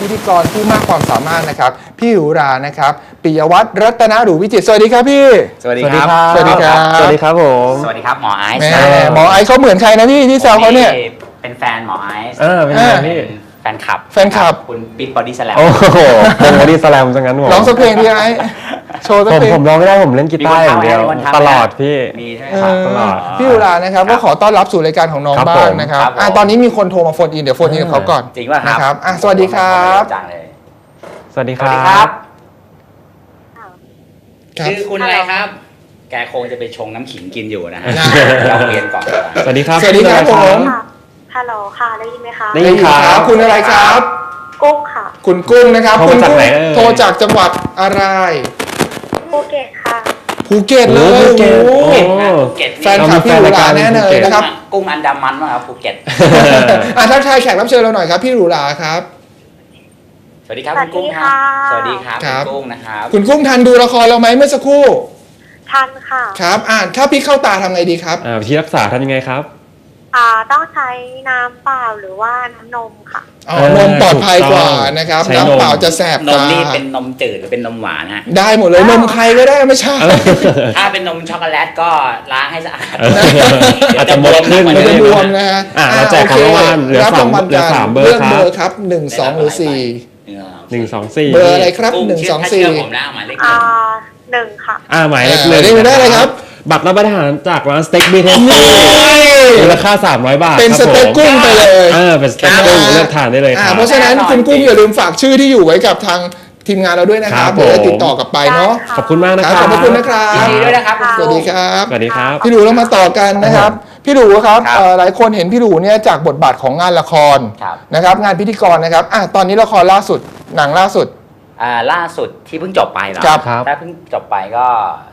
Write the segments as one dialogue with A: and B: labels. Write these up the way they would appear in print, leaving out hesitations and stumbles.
A: พิธีกรผู้มากความสามารถนะครับพี่หรูหรานะครับปิยวัฒน์รัตนหรูวิจิตรสวัสดีครับพี่
B: สวัสดีครับ
A: สวัสดีครับ
C: สวัสดีครับผม
B: สวัสดีครับหมอไอซ์
A: หมอไอซ์เขาเหมือนใครนะพี่ที่แซวเขาเนี่ย
B: เป็นแฟนหมอไอซ์
C: เป็นไงพี่
B: แฟนคลับคุณบิ๊กบอดี้สแลม
C: โอ้โหเป็นบอดี้สแลมซะงั้นผม
A: ร้องสักเพลงพี่ไอซ์โชว์สักเพลง
C: ผมร้องไม่ได้ผมเล่นกีตาร์อย่างเดียวตลอดพี่
B: มีใช่ไหมครับ
C: ตลอด
A: พี่หรูหรานะครับก็ขอต้อนรับสู่รายการของน้องบ้างนะครับตอนนี้มีคนโทรมาโฟนอินเดี๋ยวโฟนอินกับเขาก่อน
B: จริงป่ะ
A: นะครับสวัสดีครับ
C: สวัสดีครับ
B: ชื่อคุณอะไรครับแกคงจะไปชงน้ำขิงกินอยู่นะฮะเราเรียนก่อน
C: สวัสดีครับ
A: สวัสดีครับผม
D: ฮัลโหลค่ะได้ยินไหมคะ
C: ได้ยินครับ
A: คุณอะไรครับ
D: กุ้งค่ะ
A: คุณกุ้งนะครับคุณกุ้งโทรจากจังหวัดอะไร
D: ภูเก็ตค่ะ
A: ภูเก็ตเลย
B: ภูเก็ต
A: แฟนคลับพี่หรูหราแน่เลยนะครับ
B: กุ้งอันดามันมั้งครับภูเก็ต
A: ทักทายแขกรับเชิญเราหน่อยครับพี่หรูหราครับ
B: สวัสดีครับคุณกุ้งครับสวัสดีครับคุณกุ้งนะครับ
A: คุณกุ้งทันดูละครเราไหมเมื่อสักครู่
D: ทันค่ะ
A: ครับถ้าพี่เข้าตาทำไงดีครับ
C: วิธีรักษาทำยังไงครับ
D: ต้องใช้น้ำเปล่าหรือว่าน้ำนมค่ะ
A: นมปลอดภัยกว่านะครับน้ำเปล่าจะแสบ
B: ตานมนี่เป็นนมจืดหรือเป็นนมหวานฮะ
A: ได้หมดเลยนมใครก็ได้ไม่ใช่
B: ถ้าเป็นนมช็อกโกแลตก็ล้างให้สะอาด
C: อาจจะบวมขึ้น
A: มันจะบวมนะฮะ
C: แจกของรางวัลเหลือ3เบอร์
A: ครับ1 2หรือ
C: 4 1 2 4
A: เบอร์อะไรครับ1 2 4
B: ผมนะหมายเลข
D: 1ค่ะ
C: หมายเลข
A: 1ได้เลยครับ
C: บัตรรับประทานจากร้านสเต็กบีเทสมูลค่า300 บาท
A: เป็นสเต็กกุ้งไปเลย
C: เป็นสเต็กกุ้งเลือกทานได้เลยครับ
A: เพราะฉะนั้นคุณกุ้งอย่าลืมฝากชื่อที่อยู่ไว้กับทางทีมงานเราด้วยนะครับเดี๋ยวจะติดต่อกลับไปเนาะ
C: ขอบคุณมากนะครับ
A: ขอบคุณนะครับ
B: ยินดีด้วยนะครับ
A: สวัสดีครับ
C: สวัสดีครับ
A: พี่หลูเรามาต่อกันนะครับพี่หลูครับหลายคนเห็นพี่หลูเนี่ยจากบทบาทของงานละครนะครับงานพิธีกรนะครับตอนนี้ละครล่าสุดหนังล่าสุด
B: ล่าสุดที่เพิ่งจบไปเหรอถ้าเพิ่งจบไปก็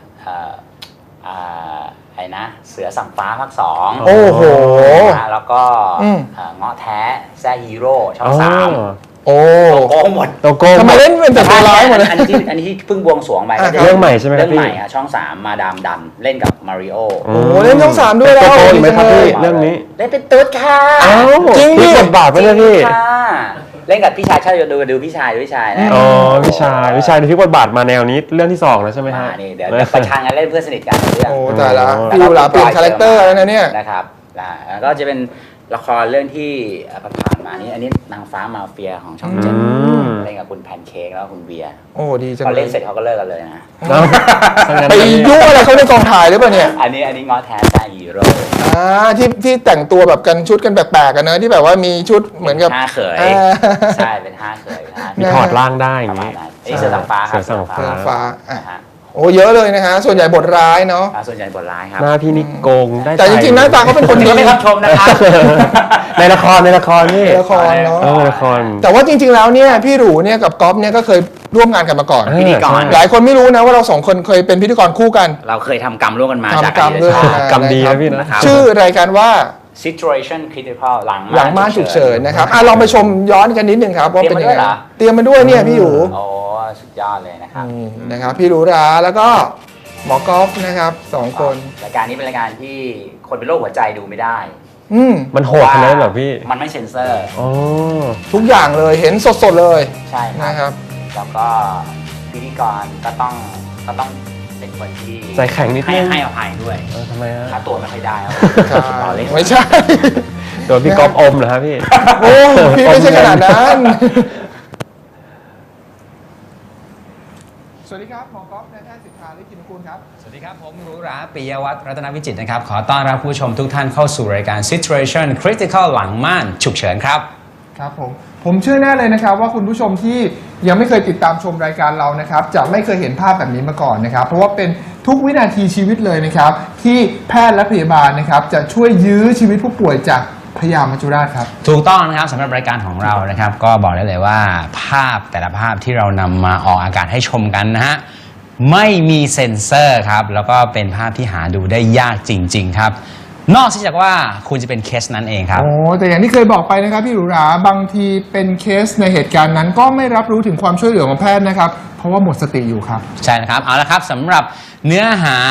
B: ไอ้นะเสือสั่งฟ้าภาค2
A: โอ้โห
B: แล้วก็เงาะแท้แซ่ฮีโร่ช่อง3
A: โอ้
B: โก้หมด
A: ทำไมเล่นเป็นแต่ตัวร้ายหมดเลย
B: อันนี้ที่เพิ่งบวงสรวงไป
C: เรื่องใหม่ใช่ไหม
B: เรื่องใหม่ช่อง3มาดามดันเล่นกับมาริโอ
A: โอ้เล่นช่อง3ด้วยแล้ว
C: ไหมครับพี่เรื่องนี้
B: เล่นเป็นตุ๊ดค่ะ
A: จริงดิ
C: บทบาทไปเลยพี่
B: เล่นกับพี่ชายดูพี่ชายนะ
C: พี่ชายในที่บทบาทมาแนวนี้เรื่องที่2แล้วใช่ไหมฮะ
B: นี่เดี๋ยวประชันกันเล่นเพื่อนสนิทกันเรื่อง
A: โอ้แต่ละพี่หลูเปลี่ยนคาแรคเตอร์แล้วนะเนี่ย
B: นะครับแล้วก็จะเป็นละครเรื่องที่ผ่านมานี้อันนี้นางฟ้ามาเฟียของช่อง7เล่นกับคุณแพนเค้กแล้วคุณเบียร์
A: โอ้ดีจัง
B: พอเล่นเสร็จเขาก็เลิกกันเลยนะ
A: ไปยุ่งอะไรเขาในกองถ่ายหรือเปล่าเนี่ย
B: อันนี้ง้อแท้แซ่ฮีโร่
A: ที่แต่งตัวแบบกันชุดกันแปลกๆกันเนอะที่แบบว่ามีชุดเหมือนกับ
B: 5 เขยใช่เป็น5 เขย
C: มีถอดร่างได้อย่างนี้
B: นี่เสือสั่งฟ้าครับ
A: เสือสั่งฟ้าโอ้เยอะเลยนะฮะส่วนใหญ่บทร้ายเนาะ
B: ส่วนใหญ่บทร้ายครับ
C: หน้าพี่นิโกงได้
A: แต่จริงๆหน้าตาเขาเป็นคนดี
B: ไม่รับชมนะครับ
C: ในละครนี่
A: ละครเนาะ
C: ละคร
A: แต่ว่าจริงๆแล้วเนี่ยพี่หรูเนี่ยกับก๊อฟเนี่ยก็เคยร่วมงานกันมาก่อน
B: พิธีกร
A: หลายคนไม่รู้นะว่าเรา2คนเคยเป็นพิธีกรคู่กัน
B: เราเคยทำกรรมร่วมกันมา
A: จากกรรมด้วย
C: กรรมดีนะพี่นะ
A: ชื่อรายการว่า
B: Situation Critical หลัง
A: ม่านฉุกเฉินนะครับลองไปชมย้อนกันนิดนึงครับว่าเป็นยังไงเตรียมมาด้วยเนี่ยพี่หรู
B: โอ้สุดยอดเลย
A: นะครับพี่หรูหราแล้วก็หมอกอล์ฟนะครับ2 คน
B: รายการนี้เป็นรายการที่คนเป็นโรคหัวใจดูไม่ได้
C: มันโหดขนาดนั้นเหรอพี่
B: มันไม่เซ็นเซอร์
A: ทุกอย่างเลยเห็นสดๆเลย
B: ใช่
A: นะครับ
B: แล้วก็พิธีกรก็ต้องเป็นคนที่
C: ใจแข็งนิดนึง
B: ให้อภัยด้วย
C: ทำไมฮะ
B: ค่าตัวไม่ค่อยได้
A: ไม่ใช่
C: โดนพี่ก๊อฟอมเหรอครับพี่
A: โอ้พี่ไม่ใช่ขนาดนั้นสวัสดีครับหมอกอล์ฟนายแพทย์สิทธาฤทธิ์กินกุลครับ
E: สวัสดีครับผมหรูหราปิยวัฒน์รัตนวิจิตรนะครับขอต้อนรับผู้ชมทุกท่านเข้าสู่รายการ Situation Critical หลังม่านฉุกเฉินครับ
A: ครับผมเชื่อแน่เลยนะครับว่าคุณผู้ชมที่ยังไม่เคยติดตามชมรายการเรานะครับจะไม่เคยเห็นภาพแบบนี้มาก่อนนะครับเพราะว่าเป็นทุกวินาทีชีวิตเลยนะครับที่แพทย์และพยาบาลนะครับจะช่วยยื้อชีวิตผู้ป่วยจากพยามัจจุราชครับ
E: ถูกต้องนะครับสำหรับรายการของเรานะครับก็บอกได้เลยว่าภาพแต่ละภาพที่เรานำมาออกอากาศให้ชมกันนะฮะไม่มีเซ็นเซอร์ครับแล้วก็เป็นภาพที่หาดูได้ยากจริงๆครับนอกจากว่าคุณจะเป็นเคสนั้นเองครับ
A: แต่อย่างที่เคยบอกไปนะครับพี่หรูหราบางทีเป็นเคสในเหตุการณ์นั้นก็ไม่รับรู้ถึงความช่วยเหลือของแพทย์นะครับเพราะว่าหมดสติอยู่ครับ
E: ใช่นะครับเอาละครับสำหรับเนื้อหา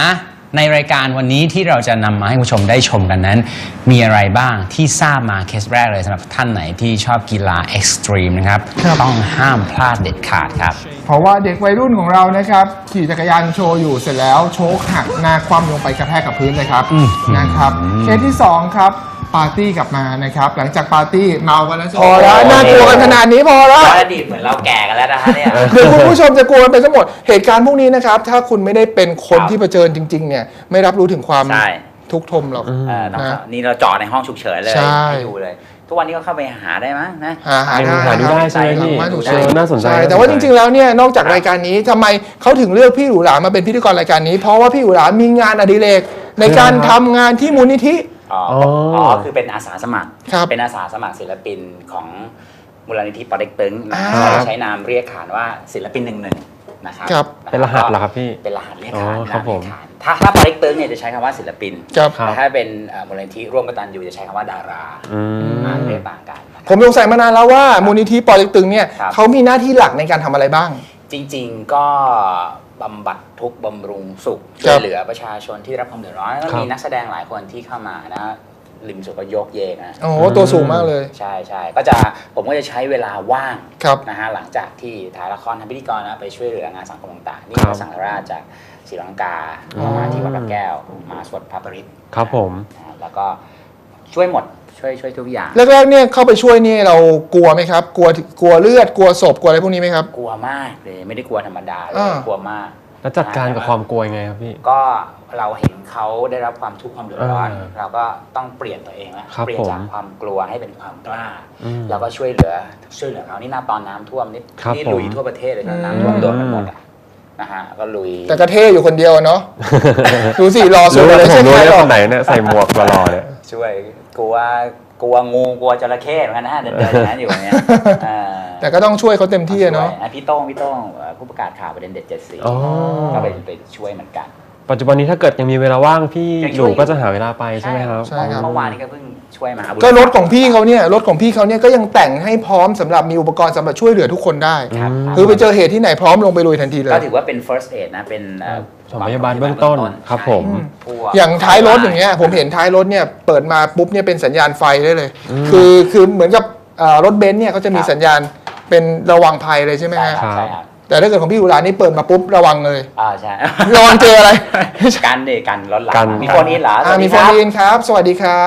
E: ในรายการวันนี้ที่เราจะนำมาให้คุณผู้ชมได้ชมกันนั้น มีอะไรบ้างที่ทราบมาเคสแรกเลยสำหรับท่านไหนที่ชอบกีฬาเอ็กซ์ตรีมนะครับ
A: ครับ
E: ต้องห้ามพลาดเด็ดขาดครับ
A: เพราะว่าเด็กวัยรุ่นของเรานะครับขี่จักรยานโชว์อยู่เสร็จแล้วโชคหักหน้าคว่ำลงไปกระแทกกับพื้นเลยครับนะครับเคสที่ 2 ครับปาร์ตี้กลับมานะครับหลังจากปาร์ตี้เมากันแล้วพอแล้วน่ากลัวกันขนาดนี้พอแล้ว
B: อดีตเหมือนเราแก่กันแล้วนะฮะเนี่ย
A: เดี๋ยวคุณผู้ชมจะกลัวกันไปทั้งหมดเหตุการณ์พวกนี้นะครับถ้าคุณไม่ได้เป็นคน
B: ครับ
A: ที่เผชิญจริงๆเนี่ยไม่รับรู้ถึงความ
B: ใช่
A: ทุกข์ทมหรอก
B: นี่เราจอดในห้องฉุกเฉินเลย
A: ใช่
B: ให้ดูเลย ทุกวันนี้ก็เข้าไปหาได้มั้งนะ
A: หาได้
C: หาดูได้ใช่ไหมพี่
A: หาดู
C: เออน่าสนใจ
A: ช่แต่ว่าจริงๆแล้วเนี่ยนอกจากรายการนี้ทำไมเขาถึงเลือกพี่หรูหรามาเป็นพิธีกรรายการนี้ เพราะว่าพี่หรูหรามีงานอดิเรกในการทำงานที่มูลนิธิ
B: คือเป็นอาสาสมัคร
A: ครับ
B: เป็นอาสาสมัครศิลปินของมูลนิธิปอเต็กตึงนะ
A: อ่า
B: ใช้นามเรียกขานว่าศิลปิน11นะครับ
A: ครับ
C: เป็นรหัสเหรอครับพี่
B: เป็นรหัสเรียก
C: อ๋อ
B: ขาน
C: ครับผม
B: เรียกขานถ้าปอเต็กตึงเนี่ยจะใช้คำว่าศิลปิน
A: ครับ
B: แต่ถ้าเป็นมูลนิธิร่วมกตัญญูจะใช้คำว่าดารา
C: อืม
B: เรียกต่างกันนะครับ
A: ผมสงสัยมานานแล้วว่ามูลนิธิปอเต็กตึงเนี่ย
B: ครับ
A: เขามีหน้าที่หลักในการทำอะไรบ้าง
B: จริงๆก็บำบัดทุกข์บำรุงสุข
A: ครั
B: ช่ว
A: บ
B: ยเหลือประชาชนที่รับความเดือดร้อนแล้วก็
C: ครับ
B: มีนักแสดงหลายคนที่เข้ามานะริมสุดก็โยกเยกนะ
A: โอ้โหตัวสูงมากเลย
B: ใช่ใช่ก็จะผมก็จะใช้เวลาว่าง
A: ครับ
B: นะฮะหลังจากที่ถ่ายละครทำพิธีกรนะไปช่วยเหลืองานสังคมต่างๆนี่
C: ครับ
B: พระสังฆราชจากศรีลังกามาที่วัดพระแก้วมาสวดพระปริตร
C: ครับผม
B: นะฮะแล้วก็ช่วยหมดช่วยทุกอย่าง
A: แรกๆเนี่ยเข้าไปช่วยนี่เรากลัวไหมครับกลัวเลือดกลัวศพกลัวอะไรพวกนี้ไหมครับ
B: กลัวมากเลยไม่ได้กลัวธรรมดาเลย
A: อ่า
B: กลัวมาก
C: แล้วจัดการกับความกลัวยังไงครับพี่
B: ก็เราเห็นเขาได้รับความทุกข์ความเดือดร้อน
C: อ่า
B: เราก็ต้องเปลี่ยนตัวเองนะครับ เปลี่ยนจาก
C: ผม
B: ความกลัวให้เป็นความกล้า
C: อืม
B: แล้วก็ช่วยเหลือเขานี่ตอนน้ำท่วมนี่
C: ครับ
B: นี่
C: ผม
B: ลุยทั่วประเทศเลยนะน้ำท่วมโดนกันหมดอะนะฮะก็ลุย
A: แต่ก็เท่อยู่คนเดียวเนาะ ดูสิรอสุด
C: รู้เลย
A: ไม่
C: ผ
A: ใช่
C: มรู้
A: ใคร
C: เลย
A: หรอ
C: ค
A: ก
C: นไหนเนี่ยใส่หมวกหล่อๆเนี่ย
B: ช่วยกลัวงูกลัวจระเข้เหมือนกันนะเดินอย่างนั้นอยู่เนี่ยอ่า
A: แต่ก็ต้องช่วยเขาเต็มที่อะเนาะ
B: ช่วยพี่โต้งผู้ประกาศข่าวประเด็นเด็ด7 สี
C: อ๋อ
B: ก็ไปช่วยเหมือนกัน
C: ปัจจุบันนี้ถ้าเกิดยังมีเวลาว่างพี่
B: ยัง
C: ห
B: ช่วย
C: นูก็จะหาเวลาไปใช่ไหมครับ
A: ใช่ครับ
B: เมื่อวานนี้ก็เพิ่งช่วยมา
A: ก็รถของพี่เขาเนี่ยก็ยังแต่งให้พร้อมสำหรับมีอุปกรณ์สำหรับช่วยเหลือทุกคนได้
B: ครับ
A: คือไปเจอเหตุที่ไหนพร้อมลงไปลุยทันทีเลย
B: ก็ถือว่าเป็น first aid นะเป็น
C: สมพยาบาลเบื้องต้นครับผม
B: ทั่ว
A: อย่างท้ายรถอย่างเงี้ยผมเห็นท้ายรถเนี่ยเปิดมาปุ๊บเนี่ยเป็นสัญญาณไฟได้เลย คือเหมือนกับรถเบนซ์เนี่ยเขาจะมีสัญญาณเป็นระวังภัยเลยใช่ไหม
B: ใช่
A: ฮะ
B: ครับใช่ครับ
A: แต่ถ้าเกิดของพี่อุรานี่เปิดมาปุ๊บระวังเลย
B: ใช่
A: ระวังเจออะไร
B: กันเด็กันรถหลัง
C: กัน
B: มีโฟนอินเหรอสวัส
A: มี
B: ดี
A: โฟ
B: คน รับ
A: อินครับ สวัสดีครับ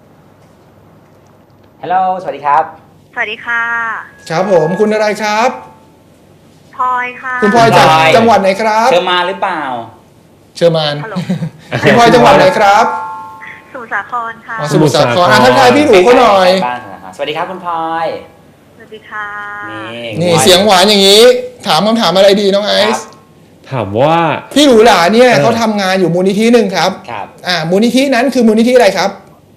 B: ฮัลโหลสวัสดีครับ
D: สวัสดีค่ะ
A: ครับผมคุณอะไรครับ
D: พลอยค่ะ
A: คุณพลอยจาก
B: พลอย
A: จังหวัดไหนครับ
B: เชิญมาหรือเปล่า
A: เชอร์มาน
D: ฮัลโหล
A: คุณพลอยจังหวัดไหนครับ
D: สมุทรสาครค่ะ
A: อ๋อสมุทรสาครทักทายพี่หนูเขาหน่อย
B: บ้านนะครับสวัสดีครับคุณพลอย
D: สวัสดีค่ะ
A: นี่
B: พลอ
A: เสียงหวานอย่างนี้ ถามคำถามอะไรดีน้องไอ
B: ครับ
A: ซ์
C: ถามว่า
A: พี่หรูหราเนี่ยเขาทำงานอยู่มูลนิธิหนึ่งครับ
B: ครับ
A: มูลนิธินั้นคือมูลนิธิอะไรครับ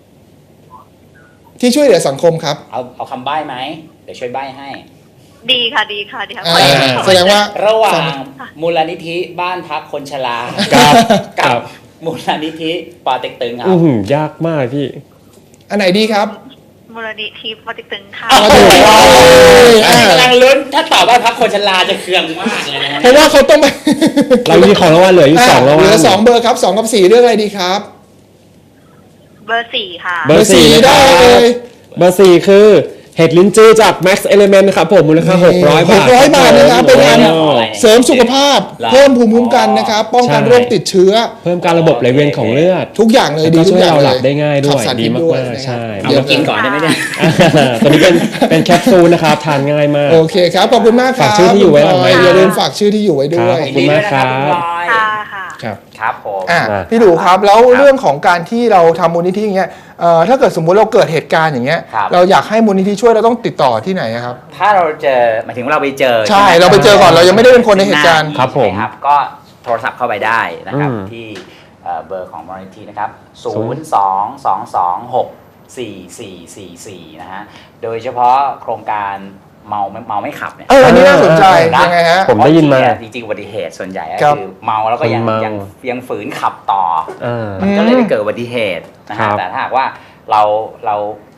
A: ที่ช่วยเหลือสังคมครับ
B: เอาคำใบ้ไหมเดี๋ยวช่วยใบ้ให้
D: ดีค่ะ ดีค่ะ ดีค่ะ
A: แสดงว่า
B: ระหว่างมูลนิธิบ้านพักคนชรา
C: ครับ
B: กับมูลนิธิปอเต็กตึงครั
C: อื้
B: บ
C: อหือยากมากพี่
A: อันไหนดีครับ
D: มูลนิธิปอเต็กตึงค่ะ
B: โอ้โห
A: อ่า
B: กำลังลุ้นถ้าตอบว่าพักคนชราจะเคืองมากเลยนะ
A: เพราะว่าเขาต้องไป
C: เรามีของรางวัลเหลืออยู่สองราง
A: เห
C: วัล
A: ลือ2เบอร์ครับ2กับ4เรื่องอะไรดีครับ
D: เบอร์ 4 ค่ะ
C: เบอร์สี่
A: 4
C: นะค
A: ได้
C: รับ
A: เลย
C: เบอร์สี่คือเห็ดลิ้นจือจาก Max Element นะครับผมมูลค่า600 บาท
A: 600 บาทนะครับเป็นงาน
C: โอ้
A: เสริมสุขภาพ เพิ่มภูมิคุ้มกันนะครับ ป้องกัน
C: ใช่
A: โรคติดเชื้อ
C: เพิ่มการระบบไหลเวียนของเลือด
A: ทุกอย่างเลยดี
C: แล้วก็
A: ทุกอย่าง
C: ช่วยเราหลับ
A: ล
C: ได้ง่ายด้วย
A: ขับสาร
C: ดี
A: พิษ
C: มากๆ
A: ด้วยะครับ
C: ใช่
B: เอามากินก่อนได้ไหมเนี่ย
C: ตัวนี้เป็นแคปซูลนะครับทานง่ายมาก
A: โอเคครับขอบคุณมากครับ
C: ฝากชื่อที่อยู่ไว้หลังไมค์
A: อย่าลืมฝากชื่อที่อยู่ไว้ด้วย
C: ขอบคุณมากครับ
B: ยินดีด้วยนะ
D: ค่ะ
A: ครับ
B: ครับผม
A: พี่ดูครับแล้วเรื่องของการที่เราทำมูลนิธิอย่างเงี้ยถ้าเกิดสมมุติเราเกิดเหตุการณ์อย่างเงี้ย
B: ครับ
A: เราอยากให้มูลนิธิช่วยเราต้องติดต่อที่ไหนอะครับ
B: ถ้าเราเจอหมายถึงเราไปเจอ
A: ใช่
B: หม
A: เราไปเจอก่อนเรายังไม่ได้เป็นคนในเหตุการณ์
C: ครับผม
B: ใช่ไหครับก็โทรศัพท์เข้าไปได้นะครับ
C: อืม
B: ที่เบอร์ของมูลนิธินะครับ 022264444 นะฮะโดยเฉพาะโครงการเมาไม่ขับเนี่ย
A: อันนี้น่าสนใจ
B: นะ
A: ยังไงฮะ
C: ผมได้ยินมา
B: จริงๆอุบัติเหตุส่วนใหญ่ก็
A: ครับ
B: คือเมาแล้วก็ยัง
C: คนเมา
B: ยังฝืนขับต่อ
C: อ่า
B: มันก็เลยไปเกิดอุบัติเหตุนะ
C: ครั
B: ฮะ
C: บ
B: แต่ถ้าหากว่าเรา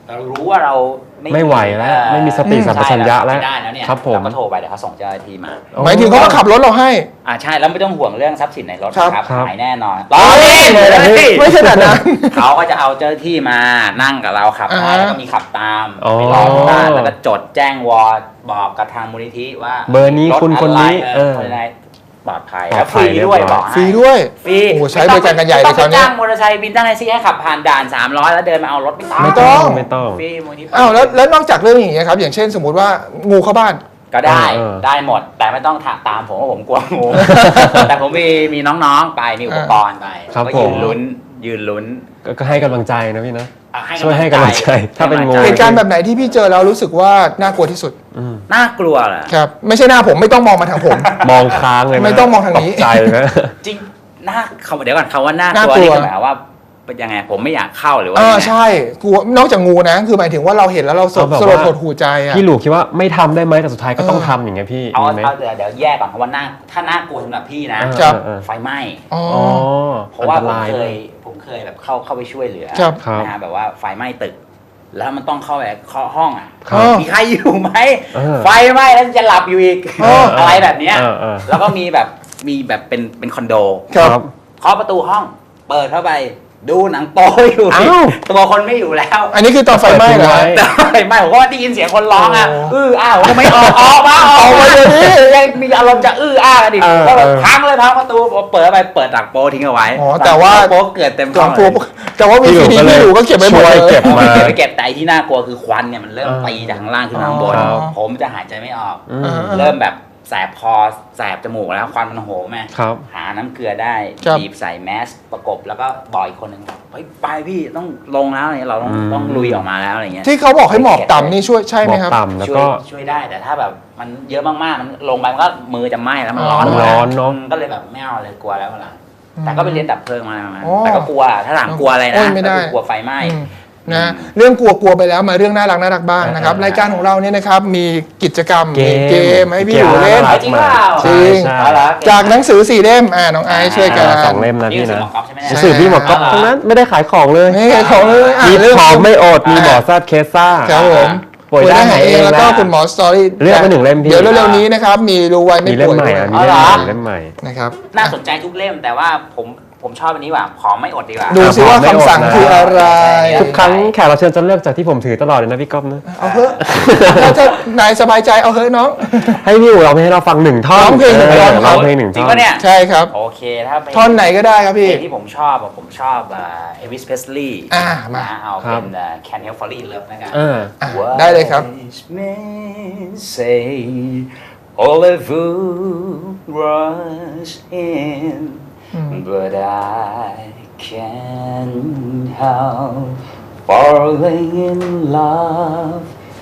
B: เรารู้ว่าเรา
C: ไม่ไหวแล้วไม่มีสติสัมปชัญญะแล้ว
B: ไม่ได้แล้วเนี่ย
C: ครับผม
B: เราก็โทรไปเดี๋ยวเขาส่งเจ้าหน้าที่มา
A: หมายถึงเขามาขับรถเราให้
B: ใช่แล้วไม่ต้องห่วงเรื่องทรัพย์สินในรถ
A: ครับ
B: นะครับ
C: ครับ
B: หายแน่นอนรอเล่นเลย
A: ไม่ใช่แบบนั้น
B: เขาก็จะเอาเจ้าหน้าที่มานั่งกับเราขับให้แล้วก็มีขับตาม
C: อ๋อ
B: ไปรอที่บ้านแล้วก็จดแจ้งวอร์ดบอกกับทางมูลนิธิว่า
C: เบอร์นี้
B: รถ
C: คุณคนนี้
B: คนไหนปลอดภัย
C: ปลอ
B: แล้
C: ด
B: ว
C: ภั
B: ฟรี
C: ย
B: ด้วย
C: เรียบร้อย
B: บอกให้
A: ฟรีด้วย
B: ฟรี
A: โอ้โหใช้บริการกันใหญ่เลยคราวนี้
B: ไม่ต้องไปจ้างมอเตอร์ไซค์บินตั้งแท็กซี่ให้ขับผ่านด่าน300แล้วเดินมาเอารถไม่ต้อง
A: ไม่ต้อง
C: ไม่ต้อง
B: ฟรีมูลนิธิ
A: อ้าวแล้วนอกจากเรื่องอย่างเงี้ยครับอย่างเช่นสมมุติว่างูเข้าบ้าน
B: ก็ได้
C: เออ
B: ได้หมด แต่ไม่ต้องตามผมว่าผมกลัวงู แต่ผมมีน้องๆไปมีอุปกรณ์ไป
C: ครับ
B: ก็
C: ผ
B: ยื
C: ม
B: นลุ้น
C: ก็ให้กำลังใจนะพี่นะ
B: อ่ะ
C: ช่วยให้กำลังใจถ้าเป็นงู
A: เหตุการณ์แบบไหนที่พี่เจอแล้วรู้สึกว่าน่ากลัวที่สุด
B: น่ากลัวเหรอ
A: ครับไม่ใช่หน้าผมไม่ต้องมองมาทางผม
C: มองค้างเลยนะ
A: ไม่ต้องมองทางนี้
C: ตกใจนะ
B: จริงเดี๋ยวก่อนคำว่าน่าก
A: น่า
B: ลัว
A: กลัว
B: นี่คือหมายความว่าเป็นยังไงผมไม่อยากเข้าหรือว่ายังไง
A: ใช่กลัวนอกจากงูนะคือหมายถึงว่าเราเห็นแล้วเราส
C: เอาแบบ
A: ลด
C: ว่า
A: หดหูใจอ่ะ
C: พี่หลูคิดว่าไม่ทำได้ไหมแต่สุดท้ายก็ต้องทำอย่างเงี้ยพี่
B: เอา
C: มีไหม
B: เดี๋ยวแยกก่อนคำว่าถ้าน่ากลัวสำหรับพี่นะ
A: ครับ
B: ไฟไหม้
A: อ๋อ
C: อ๋อ
B: เพราะว่า
C: อันตรายด้วย
B: ผมเคยแบบเข้าไปช่วยเหลือ
A: ครับ
B: นะฮะแบบว่าไฟไหม้ตึก แล้วมันต้องเข้าไปเคาะห้องอ่ะ
A: ครับ
B: มีใครอยู่ไหม
C: เออ
B: ไฟไหม้แล้วจะหลับอยู่อีก
A: เอออ
B: อะไรแบบเนี้ย
C: เออ
B: แล้วก็มีแบบเป็นคอนโด
A: ครับ
B: เคาะประตูห้อง เปิดเข้าไปดูหนังโป๊อยู่
C: อ้าว
B: ตัวคนไม่อยู่แล้ว
A: อันนี้คือตอนไฟไหม้เหรอ
C: เปิดทิ้งไว้
B: แต่ไม่ผมก็ได้ยินเสียงคนร้องอ่ะ
A: โอ้
B: ผมก็ไม่ออกมา
A: ออกมาเดี๋ยวนี้
B: ยังมีอารมณ์จะกันอีก
C: เออ
B: ก็แบบ
C: เออ
B: พังเลยพังประตูเปิดเข้าไปเปิดหนังโป๊ทิ้งเอาไว้
A: อ๋อแต่ว่า
B: หนังโป๊เกิดเต็ม
A: กล่อง
B: ห้
A: ตัว
B: เลย
A: แต่ว่าวีซีดีพี่หลูก็เก็บไว้หมด
C: ช่วย
A: เลย
C: เก็บ
B: ผม
C: มา
B: เก็บไปเก็บแต่ไอ้ที่น่ากลัวคือควันเนี่ยมันเริ่มตีจากข้างล่างขึ้นมาข้างบน
A: ครับ
B: ผมจะหายใจไม่ออก
C: อืม
B: เริ่มแบบแสบคอแสบจมูกแล้วควันมันโหมแม่
C: ครับ
B: หาน้ำเกลือได้
A: ครับ
B: บีบใส่แมสประกบแล้วก็บอกอีกคนหนึ่งเฮ้ยไปพี่ต้องลงแล้วอะไรเงี้ยเราต้องลุยออกมาแล้วอะไรเงี้ย
A: ที่เขาบอกให้หมอบต่ำนี่ช่วยใช่ไหมครับ
C: ต่ำแล้ว
B: ช่วย
C: ก็
B: ช่วยได้แต่ถ้าแบบมันเยอะมากๆมันลงไปมันก็มือจะไหม้แล้วมันร้อน
A: มัน
C: ร้อนเนอะ
B: ก็เลยแบบไม่เอาเลยกลัวแล้วล่ะ
A: อืม
B: แต่ก็ไปเรียนดับเพลิงมา
A: อ๋อ
B: แต่ก็กลัวถ้าถามกลัวอะไร
A: โอ้
B: นะ
A: ยไม่ได้
B: ก็คือกลัวไฟไหม้
A: อืมนะเรื่องกลัวไปแล้วมาเรื่องน่ารักบ้างนะครับ
C: เออ
A: รายการของเราเนี่ยนะครับมีกิจกรรม
C: เกม
A: มีเกมให้พี่หลูเล่น
C: เกม
B: จริงเปล่า
A: จริง
C: ใช่
B: เอาละ
A: จากหนังสือ4เล่มน้องไอซ์ช่วยกัน
C: สองเล่มนะ
B: นี่
C: พี่
B: คือ
C: นะ
B: หมอกอล์ฟใช่ไหมเนี่ย
A: ใช่
C: สื่อพี่หมอกก๊อฟทั้งนั้นไม่ได้ขายของเลย
A: นี่ของเลยอ่ะ
C: มี
A: เรื่อง
C: พร้อมไม่อดมีหมอแซดเคสซ่า
A: ครับผม
C: ป่วยได้หายเอง
A: แล้วก็
C: ได้
A: คุณหมอสตอรี่
C: เลือกมาหนึ่งเล่มพี่
A: เดี๋ยวเร็วๆนี้นะครับมีรู้ไว้ไม่
C: มีเล่ม
A: ป่วย
C: ใหม่
A: ด้วย
C: อ่ะมี
B: อ๋อเหรอ
C: เล่มใหม่
A: นะครับ
B: น่าสนใจทุกเล่มแต่ว่าผมชอบอันนี้ว่ะขอไม่อดดีกว่า
A: ดูซิว่าคำสั่งคืออะไร
C: ทุกครั้งแขกรับเชิญจะเลือกจากที่ผมถือตลอดเลยนะพี่ก๊อฟนะ
A: เอาเถอะถ้านายสบายใจเอาเถอะน้อง
C: ให้พี่อู๋เราให้เราฟังหนึ่งท่อน
A: ร้องเพลงหนึ่งท่อน
C: ร้องเพลงหนึ่ง
B: จริ
C: ท่
B: ง
C: อน
B: ปะเนี่ย
A: ใช่ครับ
B: โอเคถ้าเป็น
A: ท่อนไหนก็ได้ครับ
B: เพล
A: พี่
B: งที่ผมชอบเอวิสเพสลีย์
A: มา
B: เอา
C: ครั
B: เป็
C: บ
B: น Can't Help Falling in Love นะครับ
A: อ่ะได้เลยครับ
B: Wise men say all the food rush in but I can't help falling in love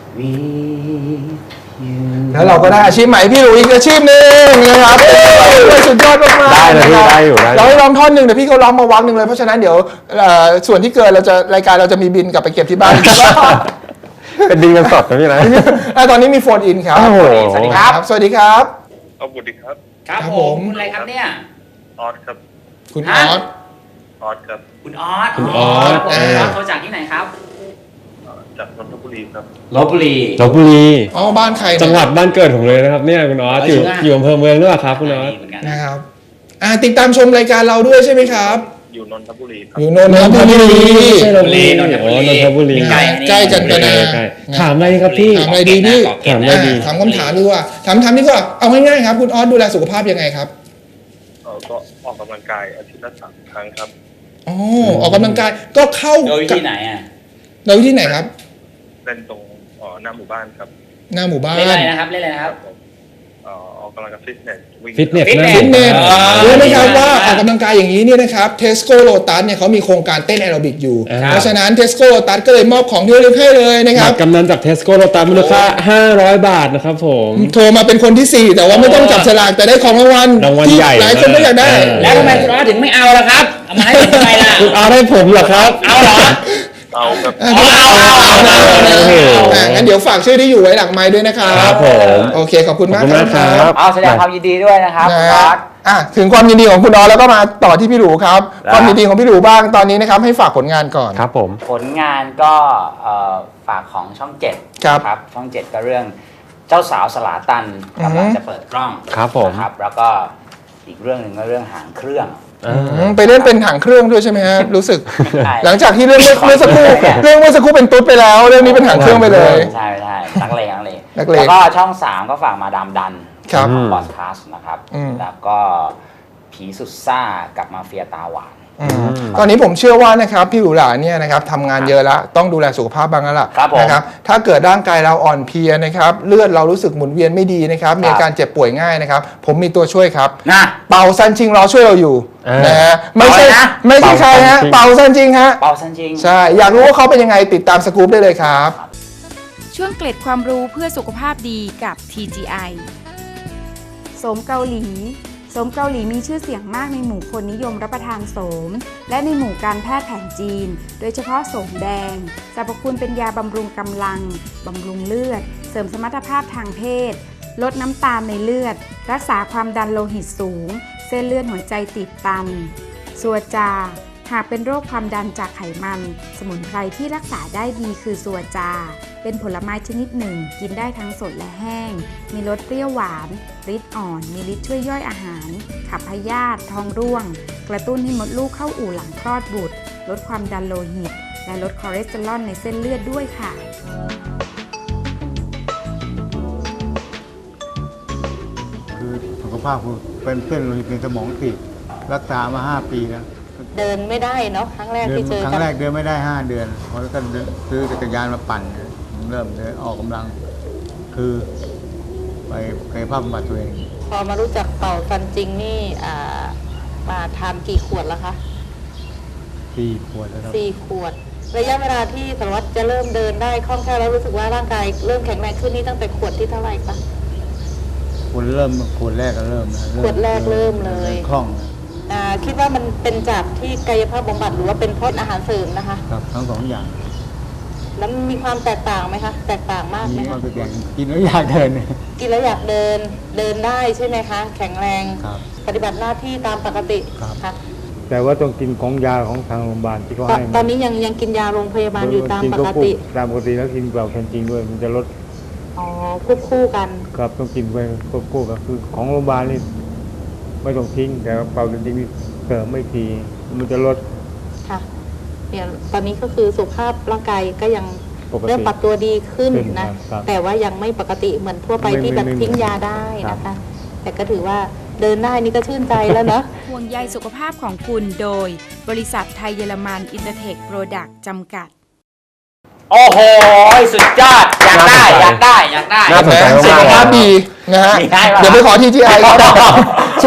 B: with you
A: แล้วเราก็ได้อาชีพใหม่พี่หลุยอีกอาชีพหนึ่งนะครับสุดยอดมากๆ
C: ได้เลยพี่
A: นะครับ
C: ได้อยู่ได้อยู่
A: เราให้ร้องท่อนหนึ่งเดี๋ยวพี่เขาร้องมาวักหนึ่งเลยเพราะฉะนั้นเดี๋ยวส่วนที่เกินรายการเราจะมีบินกลับไปเก็บที่บ้าน
C: เป็นดินกันสดนะพี่นะ
A: ตอนนี้มีโฟนอินครับ
C: โอ้โห
B: สวัสดีครับ
A: สวัสดีครับ
F: เอาบุตรครับ
B: ครับ
A: ครับ
B: ผ
A: ผม
B: มคุณอะไรครับเนี่ย
F: ออสครับ
A: คุณอ
B: ฮะ
A: อส
F: ออสครับ
B: คุณออส
C: คุณออส
B: ผม
A: อ่า
B: ออสโทรจากที่ไหนครับ
F: จากนนทบุรีครับ
B: ลบบุรี
C: ลบบุรี
A: อ๋อบ้านใครเนี่ย
C: จังหวัดบ้านเกิดผมเลยนะครับเนี่ยคุณออสอยู่
B: จริงอะ
C: อยู่อำเภอเมืองด้วยเหรอครับคุณออส
B: เหมือนกัน
A: นะครับติดตามชมรายการเราด้วยใช่ไหมครับ
F: อยู่นนทบุรีครับ
A: อยู่นนทบุรี
C: ไม่ใช่ลบบุรี
B: นนทบุรี
C: อ๋อนนทบุรี
B: ใกล้
A: ใกล้กันก็นะ
C: ใกล้ๆถามอะไรครับพี่
A: ถามอะไรดีพี่
C: ถามอะไรดี
A: ถามคำถามดีกว่าถามดีกว่าเอาง่ายๆครับคุณออสดูแลสุขภาพยังไงครับ
F: ก็ออกกำลังกายอาทิตย์ละ3 ครั้งครับ
A: อ๋อออกกำลังกายก็เข้า
B: โดยที่ไหนอ่ะ
A: โดยที่ไหนครับ
F: เล่นตรงหน้าหมู่บ้านครับ
A: หน้าหมู่บ้าน
B: เล่นอะไรนะครับ เล่นอะไรนะครับ
F: ผมออกกำลังกายฟิตเนสวิ่ง
C: ฟิตเนส
B: ฟิตเนส
A: ฟิตเนส
B: อ่า
A: รู้ไหมครับ
B: ดีมาก
A: ว่าออกกำลังกายอย่างนี้เนี่ยนะครับเทสโก้โ t ตัสเนี่ยเขามีโครงการเต้นแอโรบิกอยู่
C: ครับ
A: เพราะฉะนั้นเทสโก้โ t ตัสก็เลยมอบของที่ระลึกให้เลยนะค
C: บั
A: รับ
C: ตรกำนันจากเทสโก้โลตัสมูลค่า500 บาทนะครับผม
A: โทรมาเป็นคนที่ 4 แต่ว่าไม่ต้องจับฉลากแต่ได้ของรางวัล
C: รางวัล
A: ที่
C: ใหญ่
A: หลายคนก็อยากได้
B: แล้วทำไมคุณออสถึงไม่เอาล่ะครับเอามาให้ผมทำไมล่ะ
C: คุณเอาให้ผมเหรอครับ
B: เอาเหรอ
F: เอาครับ
A: งั้นเดี๋ยวฝากชื่อที่อยู่ไว้หลังไมค์ด้วยนะครับ
C: ครับผม
A: โอเคขอบคุณ
C: ขอบ
A: มาก
C: คุณ
A: ค
C: มากค
A: รั
C: รับ
A: บ
B: เอาแสดงความยินดีด้วยนะครับ
A: นะ
B: คุณออส
A: ถึงความยินดีของคุณออแล้วก็มาต่อที่พี่หลูครับ
B: แล้ว
A: ความยินดีของพี่หลูบ้างตอนนี้นะครับให้ฝากผลงานก่อน
C: ครับผม
B: ผลงานก็ฝากของช่อง7
A: ครับ
B: ครับช่อง 7 ก็เรื่องเจ้าสาวสลาตันกำลังจะเปิดกล้อง
C: ครับผม
B: นะครับแล้วก็อีกเรื่องหนึ่งก็เรื่องหางเครื่อง
A: ไปเล่นเป็นถังเครื่องด้วยใช่ไหมฮะรู้สึก
B: ใช่
A: หลังจากที่เรื่องเมื่อสักครู่เป็นตุ๊ดไปแล้วเรื่องนี้เป็นถังเครื่องไปเลย
B: ใช่นักเลง
A: นักเลง
B: แล้วก็ช่อง 3 ก็ฝากมาดามดัน
A: ครับ
B: บอสคาสนะครับ
A: อืม
B: แล้วก็ผีสุดซ่ากับมาเฟียตาหวาน
A: ตอนนี้ผมเชื่อว่านะครับพี่หลูหลาเนี่ยนะครับทำงานเยอะแล้วต้องดูแลสุขภาพบ้างแล้วล่ะ
B: ครับผม
A: นะครับถ้าเกิดร่างกายเราอ่อนเพลียนะครับเลือดเรารู้สึกหมุนเวียนไม่ดีนะครับมีอาการเจ็บป่วยง่ายนะครับผมมีตัวช่วยครับ
B: นะ
A: เป่าซันชิงรอช่วยเราอยู่ นะฮะไม่
B: เป่า
A: ใช่
B: อะไรนะ
A: ไม่ใช่ใครฮะเป่าซันชิงฮะ
B: เป่าซันจิง
A: ใช่อยากรู้ว่าเขาเป็นยังไงติดตามสกู๊ปได้เลยครับ
G: ช่วงเกล็ดความรู้เพื่อสุขภาพดีกับ TGI โสมเกาหลีโสมเกาหลีมีชื่อเสียงมากในหมู่คนนิยมรับประทานโสม และในหมู่การแพทย์แผนจีน โดยเฉพาะโสมแดงสรรพคุณเป็นยาบำรุงกำลัง บำรุงเลือด เสริมสมรรถภาพทางเพศ ลดน้ำตาลในเลือด รักษาความดันโลหิตสูง เส้นเลือดหัวใจตีบตัน ซัวจา หากเป็นโรคความดันจากไขมัน สมุนไพรที่รักษาได้ดีคือซัวจา เป็นผลไม้ชนิดหนึ่ง กินได้ทั้งสดและแห้ง มีรสเปรี้ยวหวานฤทธิ์อ่อน มีฤทธิ์ช่วยย่อยอาหาร ขับพยาธิท้องร่วง กระตุ้นให้มดลูกเข้าอู่หลังคลอดบุตร ลดความดันโลหิต และลดคอเลสเตอรอลในเส้นเลือดด้วยค่ะ
H: คือสุขภาพคือเป็นเส้นโลหิตในสมองตีบรักษามา 5 ปีแล้ว
I: เดินไม่ได้เนาะครั้งแรก
H: เดิน
I: ที่เจอ
H: ครั้
I: กั
H: ง
I: น
H: แรกเดินไม่ได้ 5 เดือนพอแล้วก็ซื้อจักรยานมาปั่นผมเริ่มเดินออกกำลัง คือไปกายภาพบำบัดตัวเอง
I: พอมารู้จักเป่าฟันจริงนี่มาทานกี่ขวดแล้วคะ
H: 4 ขวดแล้วครับ
I: 4 ขวด ระยะเวลาที่สารวัตรจะเริ่มเดินได้คล่องแคล่วแล้วรู้สึกว่าร่างกายเริ่มแข็งแรงขึ้นนี่ตั้งแต่ขวดที่เท่าไหร่คะ
H: ขวดแรกก็เริ่มนะ
I: ขวดแรกเริ่มเลย
H: คล่องนะ
I: คิดว่ามันเป็นจากที่กายภาพบำบัดหรือว่าเป็นเพราะอาหารเสริมนะคะ
H: ครับทั้ง 2 อย่าง
I: แล้วมีความแตกต่างไหมคะ แตกต่างมากไหม
H: มีควา
I: คะ
H: มเป็นอย่างกินแล้วอยากเดินเนี่ย
I: กินแล้วอยากเดินได้ใช่ไหมคะ แข็งแรง
H: ครับ
I: ปฏิบัติหน้าที่ตามปกติ
H: ครับ
I: ค่ะ
H: แต่ว่าต้องกินของยาของทางโรงพยาบาลที่เขาให้มา
I: ตอนนี้ยังกินยาโรงพยาบาลอยู่ตามปกติ
H: ตามปกติแล้วกินเปล่าแคนจริงด้วย มันจะลด
I: อ๋อควบคู่กัน
H: ครับต้องกินไปควบคู่กับคือของโรงพยาบาลนี่ไม่ต้องทิ้งแต่ว่าเปล่าจริงๆนี่เสริมไม่ทีมันจะลด
I: ค่ะเนี่ยตอนนี้ก็คือสุขภาพร่างกายก็ยัง
H: ปกติ
I: เริ่มปรับตัวดีขึ้น
H: ขึ้น
I: นะครับ แต่ว่ายังไม่ปกติเหมือนทั่วไป
H: ไม่
I: ที่แบบ
H: ไม่
I: ทิ้งยาได้นะคะ แต่ก็ถือว่าเดินได้นี่ก็ชื่นใจแล้วเนอะ
G: ห่วงใยสุขภาพของคุณโดย บริษัทไทยเยอรมันอินเตอร์เทคโปรดักต์จำกัด
B: โอ้โห สุดยอด อยากได้
C: น่าสนใจ
A: สุขภาพดีนะฮะ
B: มีให้ปะ
A: เดี๋ยวไปขอ TGI ครับ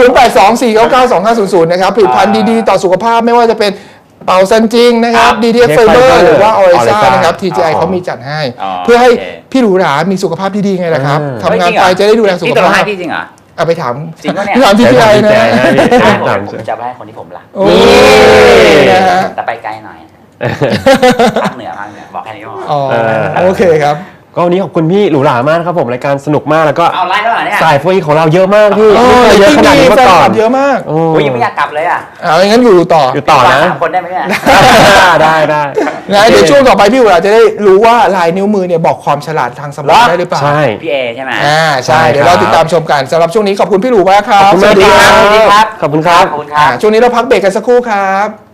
A: 0824992500 นะครับผลิตภัณฑ์ดีๆ ต่อสุขภาพไม่ว่าจะเป็นเป่าซันจิงนะครับ DTF Fiber หรือว่าออริซ่านะครับ TGI เขามีจัดให้ เพื่อให้พี่หรูหรามีสุขภาพที่ดีไงล่ะครับทำงานไปจะได้ดูแลสุข
B: พี่ตกลง
A: ภา
B: ให้
A: พ
B: พี่จริงเหรอ
A: เอาไปถาม
B: จริงปะเนี่ย
A: ถาม TGI นะ
B: ผมจะไปให้คนที่ผมรัก
A: โอ้ยนะฮะ
B: แต่ไปไกลหน่อยภาคเหนือบอกแค่นี้ก็พอ
A: อ๋อโอเคครับ
C: ก็วันนี้ขอบคุณพี่หรูหรามากนะครับผมรายการสนุกมากแล้วก็
B: เอาไลฟ์แล้วเหรอเนี่ย
C: สายโฟอีของเราเยอะมากพี่
A: โอ้
C: ไม่
A: ย
C: เคยเยอะขนาดนี้มา
A: แฟน
C: ก่อ
A: คน ลับเยอะมาก
C: โอ้
B: โอ้ยยังไม่อยากกลับเลยอ่ะ
A: งั้นอยู่ต่อ
C: อยู่ต่อนะ
B: 3 คนได้ไหมเนี่ย
C: ได้
A: นะเดี๋ยวช่วงต่อไปพี่หรูหราจะได้รู้ว่าลายนิ้วมือเนี่ยบอกความฉลาดทางสมองได้หรือเปล่า
C: ใช่
B: พี่เอใช่ไหม
A: ใช่ เดี๋ยวเราติดตามชมกันสำหรับช่วงนี้ขอบคุณพี่หลูมากครับ
C: ขอบคุณมาก
B: สวัสดีครับ
C: ขอบคุณครับ
B: ขอบคุณครับ
A: ช่วงนี้เราพักเบรกกันสักครู่ครับ